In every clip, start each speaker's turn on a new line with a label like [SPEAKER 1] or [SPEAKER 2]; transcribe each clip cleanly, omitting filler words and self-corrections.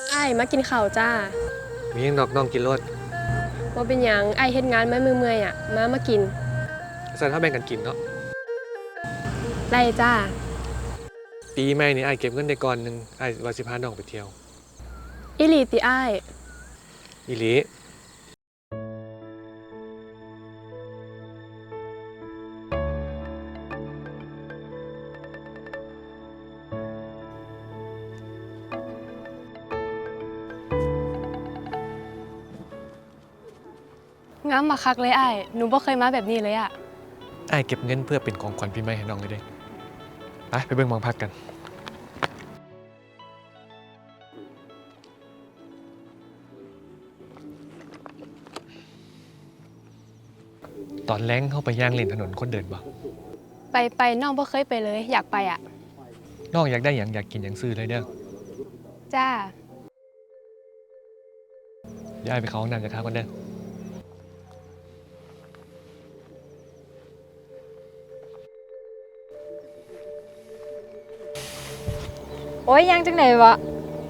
[SPEAKER 1] อ้ายมากินข้าวจ้า
[SPEAKER 2] มียังดอกน้องกินรส
[SPEAKER 1] ว่าเป็นหยังอ้ายเฮ็ดงานมาเมื่อยๆอ่ะมากิน
[SPEAKER 2] สันถ้าแบ่งกันกินเนาะ
[SPEAKER 1] ได้จ้า
[SPEAKER 2] ปีใหม่นี่ไอ้เก็บเงินได้ก่อนหนึ่งไอ้ว่าสิพาน้องไปเที่ยว
[SPEAKER 1] อิลีติอ้าย
[SPEAKER 2] อีหลี
[SPEAKER 1] งามมาคักเลยอ้ายหนูบ่เคยมาแบบนี้เลยอ่ะ
[SPEAKER 2] ไอ้เก็บเงินเพื่อเป็นของขวัญปีใหม่ให้น้องเลยเด้ไปเบิ่งหมองพักกันตอนแล้งเข้าไปย่างเล่นถนนคนเดินบ่
[SPEAKER 1] ไปน้องบ่เคยไปเลยอยากไปอ่ะ
[SPEAKER 2] น้องอยากได้อย่างอยากกินอย่างซื้อเลยเด้อ
[SPEAKER 1] จ้า
[SPEAKER 2] ย้ายไปเข้าห้องน้ำจะค้ากันเด้อ
[SPEAKER 3] โอ้ยยังจังไหนวะ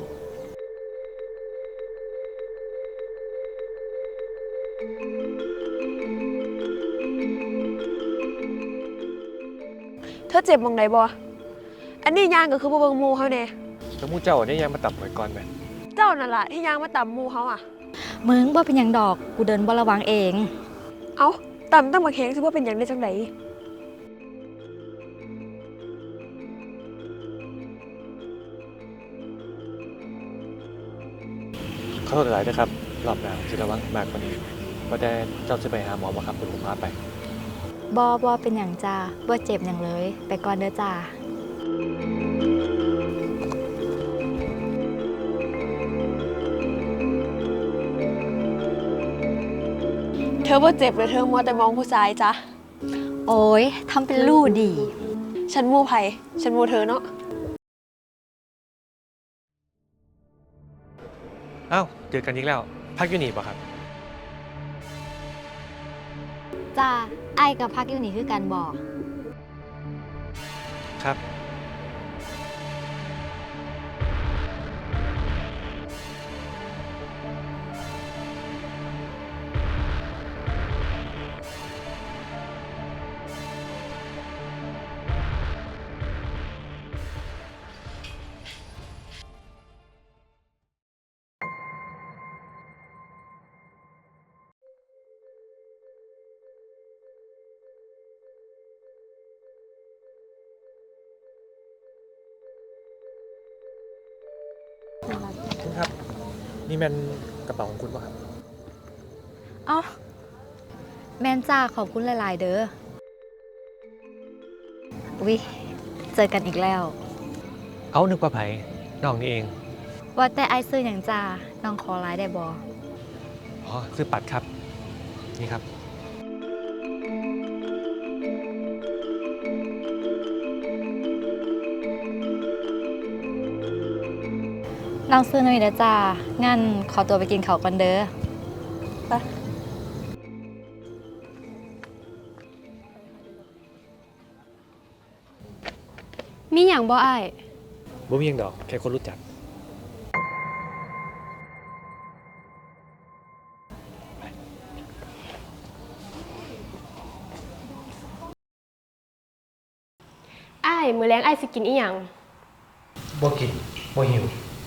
[SPEAKER 1] เธอเจ็บมองไหนบ่อันนี้ย่างก็คือบ่เบิ่งหมู่เฮาแน่
[SPEAKER 2] แล้วมู่เจ้าเนี่ยยังมาตับหน่อยก่อนแม่
[SPEAKER 1] เจ้านั่นล่ะที่ย่างมาต่ำหมู่เฮาอ่ะ
[SPEAKER 3] มึงบ่เป็นหยังดอกกูเดินบ่ระวังเอง
[SPEAKER 1] เอ้าต่ำตั้งบักแฮงสิบ่เป็นหยังได้จังได
[SPEAKER 2] ขอโทษหลายนะครับรอบหน้าสิระวังมากกว่านี้ว่าแต่เจ้าจะไปหาหมอบ่ครับเดี๋ยวผมพาไป
[SPEAKER 3] บ่เป็นหยังจ้าบ่เจ็บหยังเลยไปก่อนเด้อจ้า
[SPEAKER 1] เธอบ่เจ็บเลยเธอมัวแต่มองผู้ชายจ้ะ
[SPEAKER 3] โอ้ยทำเป็นลู่ดี
[SPEAKER 1] ฉันหมู่ไผฉันหมู่เธอเนาะ
[SPEAKER 2] อ้าวเจอกันอีกแล้วพักอยู่นี่ป่ะครับ
[SPEAKER 3] จ้าไอ้กับพักอยู่นี่คือกันบ่
[SPEAKER 2] ครับคุณครับนี่มันกระเป๋าของคุณป่ะครับ
[SPEAKER 3] อ๋อแม่นจ้าขอบคุณหลายๆเด้อวิเจอกันอีกแล้ว
[SPEAKER 2] เอานึกว่าไผ่น้องนี่เอง
[SPEAKER 3] ว่าแต่ไอ้ซื้ออย่างจ้าน้องขอไลน์ได้บ่
[SPEAKER 2] อ๋อซื้อปัดครับนี่ครับ
[SPEAKER 3] น้องซื้อหน่อยเด้อจ้างั้นขอตัวไปกินข้าวก่อนเด้อไป
[SPEAKER 1] มีหยังบ่อ้าย
[SPEAKER 2] บ่มีหยังดอกแค่คนรู้จัก
[SPEAKER 1] อ้ายมื้อแลงอ้ายสิกินอีหยัง
[SPEAKER 2] บ่กินบ่หิว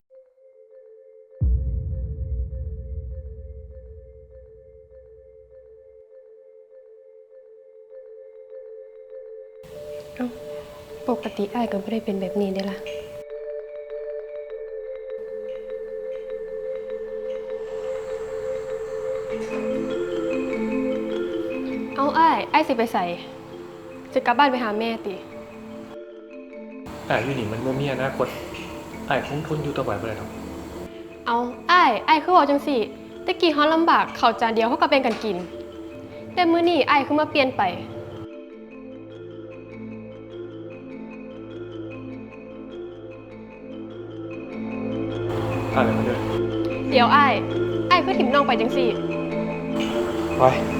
[SPEAKER 1] ปกติอ้ายก็ไม่ได้เป็นแบบนี้เด้ล่ะเอาอ้ายสิไปใส่จะกลับบ้านไปหาแม่ติ
[SPEAKER 2] อยู่นี่มันบ่มีอนาคตคงทนอยู่ต่อไปบ่ได้ดอก
[SPEAKER 1] เอาอ้ายคือเว้าจังซี่ตะกี้เฮาลำบากข้าวจานเดียวเฮาก็แบ่งกันกินแต่มื้อนี้อ้ายคือมาเปลี่ยนไป
[SPEAKER 2] อะไรมาเด้อ
[SPEAKER 1] เดี๋ยวอ้ายคือถิ่มน้องไปจังซี่
[SPEAKER 2] ไป